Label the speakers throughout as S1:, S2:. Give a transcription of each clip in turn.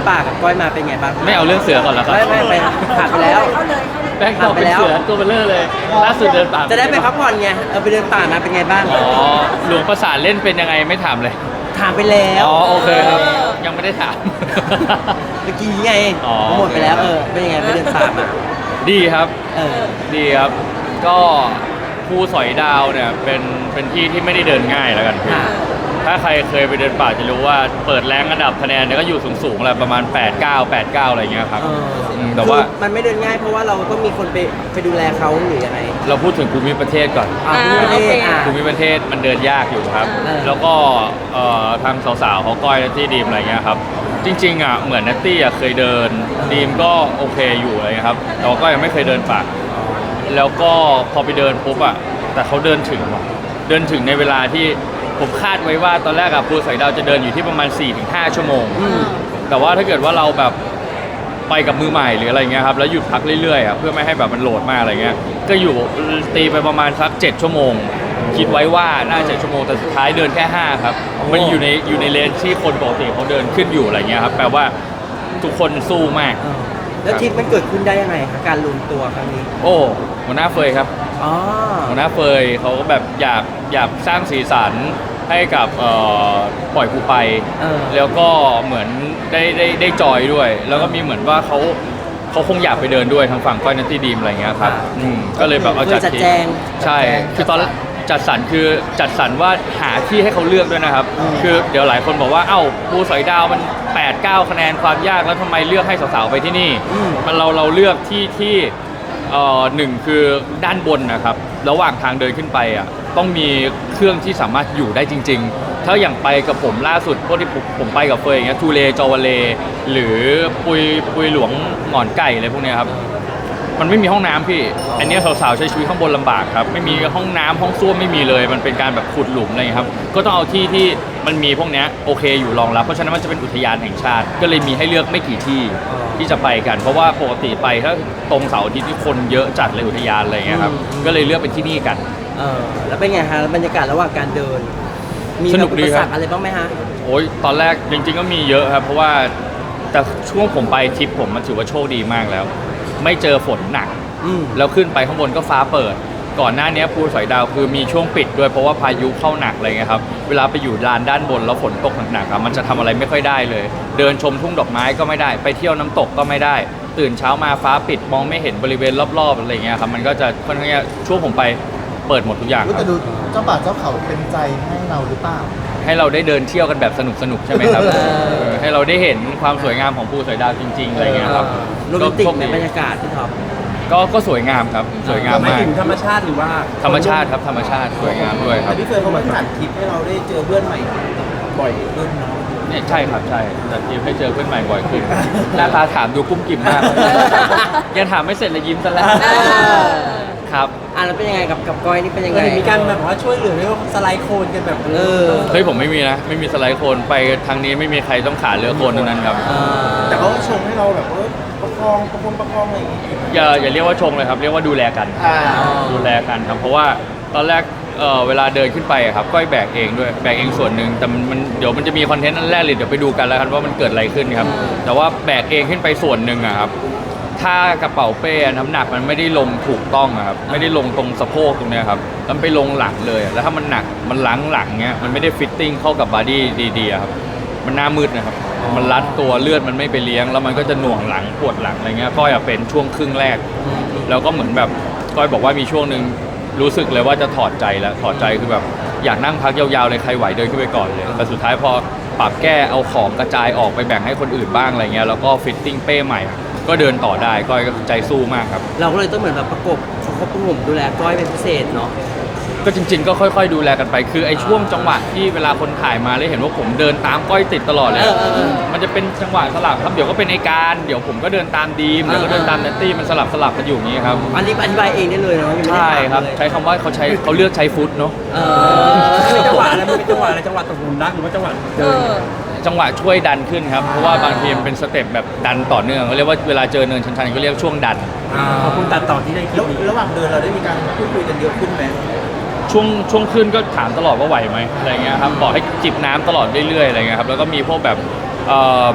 S1: ป่ากับก้อยมาเป็นไงบ้าง
S2: ไม่เอาเรื่องเสือก่อนแล้วครับ
S1: ไม่ผ่านไปแล้ว
S2: แบงค์บอกเป็นเสือตัวเบลเลอร์เลยล่าสุดเดินป่า
S1: จะได้ไปพักผ่อนไงไปเดินป่ามาเป็นไงบ้าง
S2: อ๋อหลวงประสานเล่นเป็นยังไงไม่ถามเลย
S1: ถามไปแล้ว
S2: อ๋อโอเคครับยังไม่ได้ถาม
S1: เมื่อกี้ไงหมดไปแล้วเป็นยังไงไปเดินป่ามา
S2: ดีครับดีครับก็ภูสอยดาวเนี่ยเป็นที่ที่ไม่ได้เดินง่ายแล้วกันถ้าใครเคยไปเดินป่าจะรู้ว่าเปิดแรงอันดับคะแนนเนี่ยก็อยู่สูงๆแหละประมาณ8-9อะไรเงี้ยครับแต่ว่า
S1: มันไม่เดินง่ายเพราะว่าเราต้องมีคนไปดูแลเขาหรือยังไง
S2: เราพูดถึงภูมิประเทศก่อนภูมิประเทศมันเดินยากอยู่ครับแล้วก็ทางสาวๆเขาก้อยที่ดีมอะไรเงี้ยครับจริงๆอ่ะเหมือนนัตตี้อ่ะเคยเดินดีมก็โอเคอยู่อะไรเงี้ยครับแต่ก็ยังไม่เคยเดินป่าแล้วก็พอไปเดินปุ๊บอ่ะแต่เขาเดินถึงในเวลาที่ผมคาดไว้ว่าตอนแรกอะภูสอยดาวจะเดินอยู่ที่ประมาณ 4-5 ชั่วโมงแต่ว่าถ้าเกิดว่าเราแบบไปกับมือใหม่หรืออะไรเงี้ยครับแล้วหยุดพักเรื่อยๆอะเพื่อไม่ให้แบบมันโหลดมากอะไรเงี้ยก็อยู่ตีไปประมาณสัก7 ชั่วโมงคิดไว้ว่าน่า7 ชั่วโมงแต่สุดท้ายเดินแค่5ครับมันอยู่ในเลนที่คนปกติเขาเดินขึ้นอยู่อะไรเงี้ยครับแปลว่าทุกคนสู้มาก
S1: แล้วทริปมันเกิดขึ้นได้ยังไงคะการรวมตัวครั้งนี้
S2: โอ้หัวหน้าเฟยครับหัวหน้าเฟยเขาก็แบบอยากสร้างสีสันให้กับปล่อยกูไปแล้วก็เหมือนได้จอยด้วยแล้วก็มีเหมือนว่าเขาคงอยากไปเดินด้วยทางฝั่งก้อยนัตตี้ดีมอะไรเงี้ยครับก็เลยแบบเอาจัด
S1: แจง
S2: ใช่คือตอนจัดสรรว่าหาที่ให้เขาเลือกด้วยนะครับคือเดี๋ยวหลายคนบอกว่าเอ้าภูสอยดาวมัน8-9 คะแนนความยากแล้วทำไมเลือกให้สาวๆไปที่นี่มันเราเลือกที่หนึ่งคือด้านบนนะครับระหว่างทางเดินขึ้นไปอ่ะต้องมีเครื่องที่สามารถอยู่ได้จริงๆถ้าอย่างไปกับผมล่าสุดพวกที่ผมไปกับเฟยอย่างเงี้ยทูเลจอวาเลหรือปุยหลวงหงอนไก่อะไรพวกเนี้ยครับมันไม่มีห้องน้ำพี่อันนี้สาวๆใช้ชีวิตข้างบนลำบากครับไม่มีห้องน้ำห้องส้วมไม่มีเลยมันเป็นการแบบขุดหลุมอะไรครับก็ต้องเอาที่มันมีพวกนี้โอเคอยู่รองรับเพราะฉะนั้นมันจะเป็นอุทยานแห่งชาติก็เลยมีให้เลือกไม่กี่ที่จะไปกันเพราะว่าปกติไปถ้าตรงเสาร์อาทิตย์ที่คนเยอะจัดเลยอุทยานอะไรเงี้ยครับก็เลยเลือกเป็นที่นี่กัน
S1: แล้วเป็นไงฮะบรรยากาศระหว่างการเดินมี
S2: สนุกดีครับ
S1: อะไรบ้างไหมฮะ
S2: โอ้ยตอนแรกจริงๆก็มีเยอะครับเพราะว่าแต่ช่วงผมไปทริปผมมันถือว่าโชคดีมากแล้วไม่เจอฝนหนักแล้วขึ้นไปข้างบนก็ฟ้าเปิดก่อนหน้านี้ภูสอยดาวคือมีช่วงปิดด้วยเพราะว่าพายุเข้าหนักอะไรเงี้ยครับเวลาไปอยู่ลานด้านบนแล้วฝนตกหนักๆครับมันจะทำอะไรไม่ค่อยได้เลยเดินชมทุ่งดอกไม้ก็ไม่ได้ไปเที่ยวน้ำตกก็ไม่ได้ตื่นเช้ามาฟ้าปิดมองไม่เห็นบริเวณรอบๆอะไรเงี้ยครับมันก็จะค่อนข้างช่วงผมไปเปิดหมดทุกอย่าง
S3: แต่ดูเจ้าป่าเจ้าเขาเป็นใจให้เราหรือเปล่า
S2: ให้เราได้เดินเที่ยวกันแบบสนุกใช่ไหมครับให้เราได้เห็นความสวยงามของภูสอยดาวจริงๆอะไรเงี้ยครับ
S1: โรแมนติกในบรรยากาศที่ท็อป
S2: ก็สวยงามครับสวยงามมาก
S1: ถึงธรรมชาติหรือว่า
S2: ธรรมชาติครับธรรมชาติสวยงามด้วยครับ
S1: แต่พี่เฟิร์นเขามาจัดทริปให้เราได้เจอเพื่อนใหม่บ่อยขึ้น
S2: เนี่ยใช่ครับใช่จัดทริปให้เจอเพื่อนใหม่บ่อยขึ้นหน้าตาถามดูกุ้มกิ่มมากยังถามไม่เสร็จเลยยิ้มซะแล้วครับ
S1: แล้วเป็นยังไงกับก้อยนี่เป็นยังไงมีการแบบว่าช่วยเหลือเรื่องสไลด์โคลนกันแบบ
S2: เฮ้ยผมไม่มีนะไม่มีสไลด์โคลนไปทางนี้ไม่มีใครต้องขาเรือโคลนทั้งนั้นครับ
S1: แต่เขาชงให้เราแบบว่าประคองอะไรอย่างงี้
S2: อย่าเรียกว่าชงเลยครับเรียกว่าดูแลกันดูแลกันครับเพราะว่าตอนแรกเวลาเดินขึ้นไปครับก้อยแบกเองด้วยแบกเองส่วนหนึ่งแต่มันเดี๋ยวมันจะมีคอนเทนต์นั่นแรกเลยเดี๋ยวไปดูกันแล้วกันว่ามันเกิดอะไรขึ้นครับแต่ว่าแบกเองขึ้นไปส่วนหนึ่งครับถ้ากระเป๋าเป้น้ำหนักมันไม่ได้ลงถูกต้องครับไม่ได้ลงตรงสะโพกตรงนี้ครับมันไปลงหลังเลยแล้วถ้ามันหนักมันหลังเงี้ยมันไม่ได้ฟิตติ้งเข้ากับบอดี้ดีๆครับมันหน้ามืดนะครับมันรัดตัวเลือดมันไม่ไปเลี้ยงแล้วมันก็จะหน่วงหลังปวดหลังอะไรเงี้ยก้อยเป็นช่วงครึ่งแรกแล้วก็เหมือนแบบก้อยบอกว่ามีช่วงหนึ่งรู้สึกเลยว่าจะถอดใจแล้วถอดใจคือแบบอยากนั่งพักยาวๆเลยใครไหวเดินขึ้นไปก่อนเลยแต่สุดท้ายพอปรับแก้เอาของกระจายออกไปแบ่งให้คนอื่นบ้างอะไรเงี้ยแล้วก็ฟิตติ้งเป้ใหม่ก็เดินต่อได้ก้อยก็ใจสู้มากครับ
S1: เราก็เลยต้องเหมือนแบบประกบเขาประงมดูแลก้อยเป็นพิเศษเนาะ
S2: ก็จริงๆก็ค่อยๆดูแลกันไปคือไอ้ช่วงจังหวะที่เวลาคนถ่ายมาเลยเห็นว่าผมเดินตามก้อยติดตลอดเลยมันจะเป็นจังหวะสลับครับเดี๋ยวก็เป็นไอ้การเดี๋ยวผมก็เดินตามดีมเดี๋ยวก็เดินตามเนตตี้มันสลับกันอยู่อย่างนี้ครับ
S1: อันนี้อธิบายเองได้เลยเนาะ
S2: ใช่ครับใช้คำว่าเขาเลือกใช้ฟุตเนาะ
S1: เป็นจังหวะอะไรมันเป็นจังหวะอะไรจังหวะตกหลุมรักหรือว่าจังหวะเดิน
S2: จังหวะช่วยดันขึ้นครับเพราะว่าบางทีมันเป็นสเต็ปแบบดันต่อเนื่องเขาเรียกว่าเวลาเจอเนินชันๆก็เรียกช่วงดัน
S1: ขอบคุณตัดต่อที่ได้คลิประหว่างเดินเราได้มีการพูดคุยกันเยอะขึ้นไหม
S2: ช่วงขึ้นก็ถามตลอดว่าไหวไหมอะไรเงี้ยครับบอกให้จิบน้ำตลอดเรื่อยๆอะไรเงี้ยครับแล้วก็มีพวกแบบ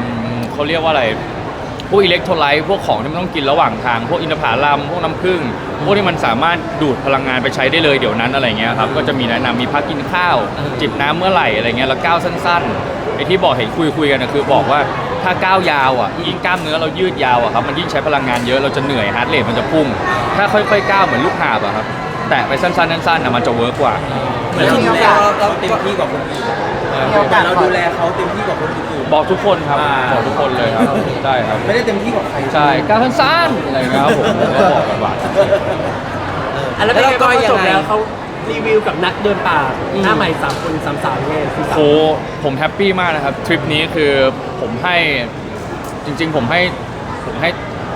S2: เขาเรียกว่าอะไรพวกอิเล็กโทรไลต์พวกของที่มันต้องกินระหว่างทางพวกอินทผลัมพวกน้ำผึ้งพวกที่มันสามารถดูดพลังงานไปใช้ได้เลยเดี๋ยวนั้นอะไรเงี้ยครับก็จะมีแนะนำมีพักกินข้าวจิบน้ำเมื่อไหร่อะไรเงี้ยแล้วก้าวสั้นๆไอ้ที่บอกเห็นคุยกันนะคือบอกว่าถ้าก้าวยาวอ่ะยิ่งกล้ามเนื้อเรายืดยาวอ่ะครับมันยิ่งใช้พลังงานเยอะเราจะเหนื่อยฮาร์ทเรทมันจะพุ่งถ้าค่อยๆก้าวเหมือนลูกหาบอะครับแตะไปสั้นๆสั้นๆนะมันจะเวิร์กกว่า
S1: เหมือนเราดูแลเราเต็มที่กว่าคนอื่นเราดูแลเขาเต็มที่กว่าคนอื่น
S2: บอกทุกคนครับบอกทุกคนเลยครับใช่ครับ
S1: ไม่ได้เต็มที่กว่าใคร
S2: ใช่ก้าวสั้นๆอะไรเงี้ยครับผมก็บอกกันว่า
S4: แล้วเป็นไงบ้างจบแล้วเขารีวิวกับนักเดินป่าหน้าใหม่3 คน3 สาวไงคือ
S2: โอ้ผมแฮปปี้มากนะครับทริปนี้คือผมให้จริงๆผมให้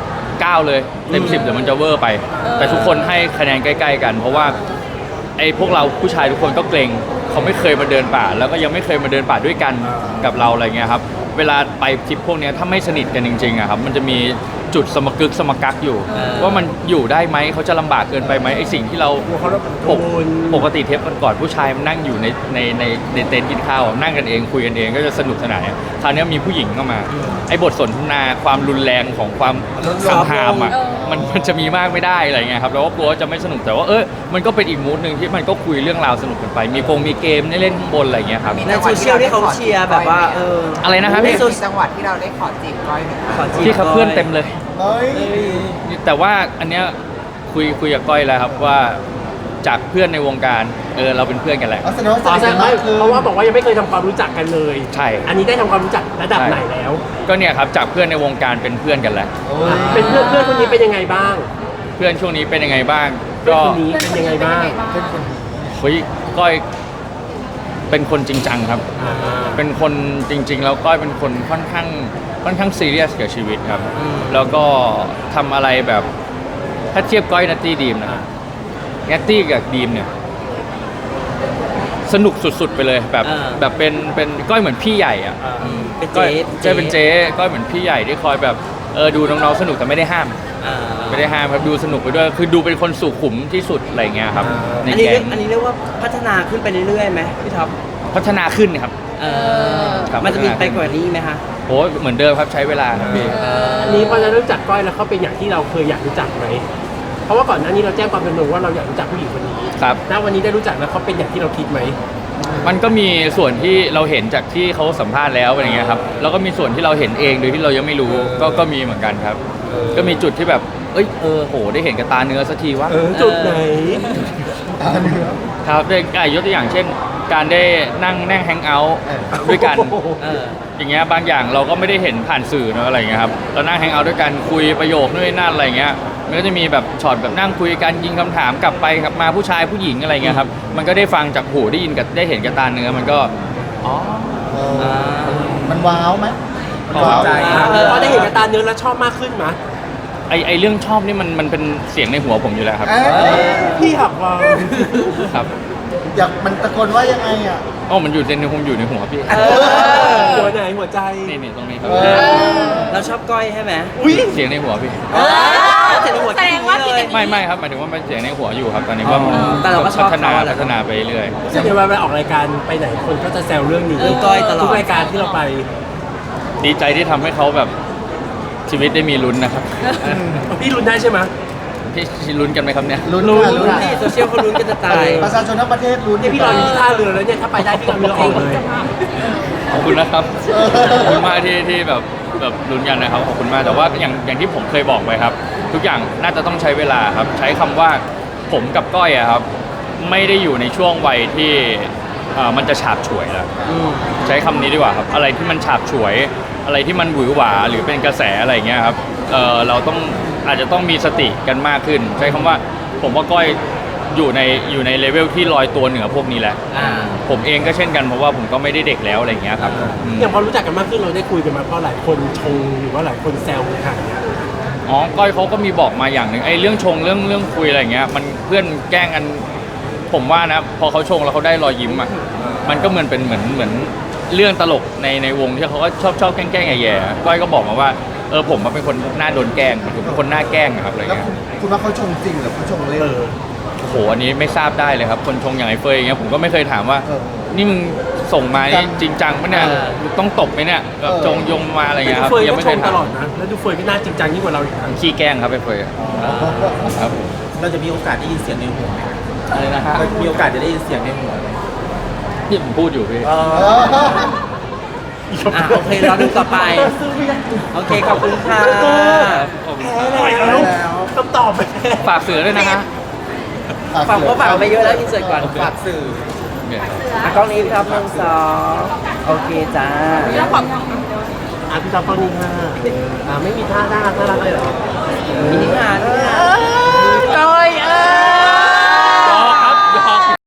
S2: 9เลยเต็ม10เดี๋ยวมันจะเวอร์ไป แต่ทุกคนให้คะแนนใกล้ๆกัน เพราะว่าไอ้พวกเราผู้ชายทุกคนก็เกรงเขาไม่เคยมาเดินป่า แล้วก็ยังไม่เคยมาเดินป่าด้วยกันกับเราอะไรเงี้ยครับเวลาไปทริปพวกเนี้ยถ้าไม่สนิทกันจริงๆอะครับมันจะมีจุดสมกึกสมกักอยู่ ว่ามันอยู่ได้ไหมเขาจะลำบากเกินไปไหมไอ้สิ่งที่เราปกติเทปก่อนผู้ชายมันนั่งอยู่ในเต็นท์กินข้าวนั่งกันเองคุยกันเองก็จะสนุกสนานคราวนี้มีผู้หญิงเข้ามาไอ้บทสนทนาความรุนแรงของความคำหามอ่ะมันจะมีมากไม่ได้อะไรเงี้ยครับแล้วก็กลัวจะไม่สนุกแต่ว่ามันก็เป็นอีกมูดหนึ่งที่มันก็คุยเรื่องราวสนุกกันไปมีเกมให้เล่นข้างบนอะไรเงี้ยครับ
S1: ในโซเชียลที่เขาเชียร์แบบว่า
S2: อะไรนะครับ
S5: มีจังหวัดที่เราได้ขอจีบก้อยไหมคะ
S2: ที่เขาเพื่อนเต็มเลย
S3: เฮ้ย
S2: แต่ว่าอันเนี้ยคุยกับก้อยแล้วครับว่าจากเพื่อนในวงการเราเป็นเพื่อนกันแหละ
S3: เอาแสดงว่าส
S4: อ๋อ
S3: นิท
S4: ใช่
S3: กันมากคือ
S4: เพราะว่าบอกว่ายังไม่เคยทำความรู้จักกันเลย
S2: ใช่
S4: อันนี้ได้ทำความรู้จักระดับไหนแล้ว
S2: ก็เนี่ยครับจากเพื่อนในวงการเป็นเพื่อนกันแหละ
S3: โอ้ย
S4: เป็นเพื่อนคนนี้เป็นยังไงบ้าง
S2: เพื่อนช่วงนี้เป็นยังไงบ้าง
S4: เพื่อน
S2: ก็
S4: คนนี้เป็นยังไงบ้าง
S3: เป็นคนดี
S2: เฮ้ยก้อยเป็นคนจริงจังครับ เป็นคนจริง ๆ แล้วก้อยเป็นคนค่อนข้างซีเรียสกับชีวิตครับ แล้วก็ทำอะไรแบบถ้าเทียบก้อยนัตตี้ดีมนะนัตตี้กับดีมเนี่ยสนุกสุดๆไปเลยแบบเป็นก้อยเหมือนพี่ใหญ่อ่ะ
S1: เป็น
S2: ก้
S1: เจ๊
S2: อยเป็นเจ๊ก้อยเหมือนพี่ใหญ่ที่คอยแบบดูน้องๆสนุกแต่ไม่ได้ห้าม ไม่ได้ห้ามครับดูสนุกไปด้วยคือดูเป็นคนสุขุมที่สุดอะไรเงี้ยครับใน
S1: อันนี้
S2: แก๊ง
S1: อันนี้เรียกว่าพัฒนาขึ้นไปเรื่อยๆไหมพี่ท็อป
S2: พัฒนาขึ้นครับ ครับ
S1: มันจะมีไปกว่านี้ไหมคะ
S2: โอ้เหมือนเดิมครับใช้เวลาครับพี่
S4: อันนี้พอจะรู้จักก้อยแล้วเขาเป็นอย่างที่เราเคยอยากรู้จักไหมเพราะว่าก่อนหน้านี้เราแจ้งความจำนงว่าเราอยากรู้จักผู้หญิงคนนี้
S2: ครับ
S4: ณวันนี้ได้รู้จักแล้วเขาเป็นอย่างที่เราคิดไหม
S2: มันก็มีส่วนที่เราเห็นจากที่เขาสัมภาษณ์แล้วอะไรเงี้ยครับแล้วก็มีส่วนที่เราเห็นเองโดยที่เรายังไม่รู้ก็มีเหมือนกันครับ ก็มีจุดที่แบบโหได้เห็นกับตาเนื้อสักทีวะ
S4: จุดไหน
S3: อันนี้ครับ
S2: ครับได้ยกตัวอย่างเช่น การได้นั่งแฮงเอาท์ด้วยกัน อย่างเงี้ยบางอย่างเราก็ไม่ได้เห็นผ่านสื่อเนอะอะไรเงี้ยครับเรานั่งแฮงเอาท์ด้วยกันคุยประโยคนู่นนนั่นอะไรเงี้ยมันก็จะมีแบบช็อตแบบนั่งคุยกันยิงคำถามกลับไปกลับมาผู้ชายผู้หญิงอะไรเงี้ยครับมันก็ได้ฟังจากหูได้ยินกับได้เห็นกับตาเนื้อมันก็อ๋อ
S3: มันว้าวไหม
S2: พอใจ
S4: พอได้เห็นกับตาเนื้อแล้วชอบมากขึ้นไหม
S2: ไอเรื่องชอบนี่มันเป็นเสียงในหัวผมอยู่แล้วครับ
S4: พี่หักวาง
S2: ครับ
S3: อยากมันตะโกนว่ายังไงอ่ะ
S2: มันอยู่ในหัวพี่
S4: หัวไหนหัวใจ
S2: นี่ตรงนี้ครับ
S1: เราชอบก้อยใช่ไหม
S2: เสียงในหัวพี่
S1: เสร็จแล้วหัว
S5: แสดงว่าพี่
S1: เลย
S2: ไม่ครับหมายถึงว่ามันเสียงในหัวอยู่ครับตอนนี้ก็
S1: แต่เราก็ชอบ
S2: พัฒนา
S1: เขาแหละ
S2: พัฒนาไปเรื่อย
S4: ซึ่งเวลาไปออกรายการไปไหนคนก็จะแซวเรื่องนี้
S1: เรื่องก้อยตลอด
S4: ทุกรายการที่เราไป
S2: ดีใจที่ทำให้เขาแบบชีวิตได้มีลุ้นนะครับ
S4: พี่รุนได้ใช่ไหม
S2: พี่ลุ้นกันไหมครับเนี่ย
S3: ลุ้น
S1: ลุ้น
S3: ค่ะลุ้น
S1: ที่โซเชียลเขาลุ้นกันจะตาย
S3: ประชาชนทั้งประเทศลุ้น
S4: เนี่ยพี่รออยู่ที่ท่าเรือแล้วเนี่ยถ้าไปได้พี่กับเรือออกเลย
S2: ขอบคุณนะครับขอบคุณมากที่แบบลุ้นกันนะครับขอบคุณมากแต่ว่าอย่างที่ผมเคยบอกไปครับ ทุกอย่างน่าจะต้องใช้เวลาครับ ใช้คำว่าผมกับก้อยอะครับ ไม่ได้อยู่ในช่วงวัยที่มันจะฉาบฉวยแล้วใช้คำนี้ดีกว่าครับอะไรที่มันฉาบฉวย อะไรที่มันหวือหวาหรือเป็นกระแสอะไรอย่างเงี้ยครับเราอาจจะต้องมีสติกันมากขึ้น ใช้คำว่าผมว่าก้อยอยู่ในเลเวลที่ลอยตัวเหนือพวกนี้แหละผมเองก็เช่นกันเพราะว่าผมก็ไม่ได้เด็กแล้วอะไรอย่างเงี้ยครับ
S4: อย่างพอรู้จักกันมากขึ้นเราได้คุยกันมาเพราะหลายคนชงหรือว่าหลายคนแซวในทางเนี้ย
S2: ก้อยเขาก็มีบอกมาอย่างหนึ่งเรื่องชงเรื่องคุยอะไรอย่างเงี้ยมันเพื่อนแกล้งกันผมว่านะพอเขาชงแล้วเขาได้รอยยิ้มอ่ะมันก็เหมือนเป็นเหมือนเรื่องตลกในวงที่เขาก็ชอบแกล้งแย่ๆก้อยก็บอกมาว่าผมเป็นคนหน้าโดนแกล้งผมเป็นคนหน้าแกล้งอะครับอะไร
S3: แล้ว
S2: เงี้ย
S3: คุณว่าเขาชงจริงหรือเขาชงเล่น
S2: โอ้โหอันนี้ไม่ทราบได้เลยครับคนชงอย่างไอ้เฟยอย่างเงี้ยผมก็ไม่เคยถามว่านี่มึงส่งมานี่จริงจังปะเนี่ยมึงต้องตบไหมเนี่ยแบบจงยงมาอะไร
S4: แต่
S2: เงี้ย
S4: ดู
S2: ครับ
S4: เฟย
S2: ยัง
S4: ก็
S2: ไม่
S4: ช
S2: เคย
S4: มต
S2: ทำ
S4: ลอดนะแล้วดูเฟยก็น่าจริงจังยิ่งกว่าเราอีกนะ
S2: ขี้แกล้งครับไปเฟยครับ
S1: เราจะมีโอกาสได้ยินเสียงในหัวไหม
S2: อะไรนะฮะ
S1: เรามีโอกาสจะได้ยินเสียงในหัวไหม
S2: ที่ผมพูดอยู่พี่
S1: โอเคเราดูต่อไป โอเคขอบคุณค่ะ
S4: แล้วคำตอบไป
S2: ฝากเสือด้วยนะฮะ
S1: ฝากก็ฝากไปเยอะแล้วอินเสิร์ตก่อนฝากสื่อ
S2: เนี่ย
S1: กล้องนี้ครับ1 2โอเคจ้า
S4: พี่จอมตอนนี้ค่ะไม่มีท่าน่ารักเลยเหรอ
S1: มินิฮาร์ด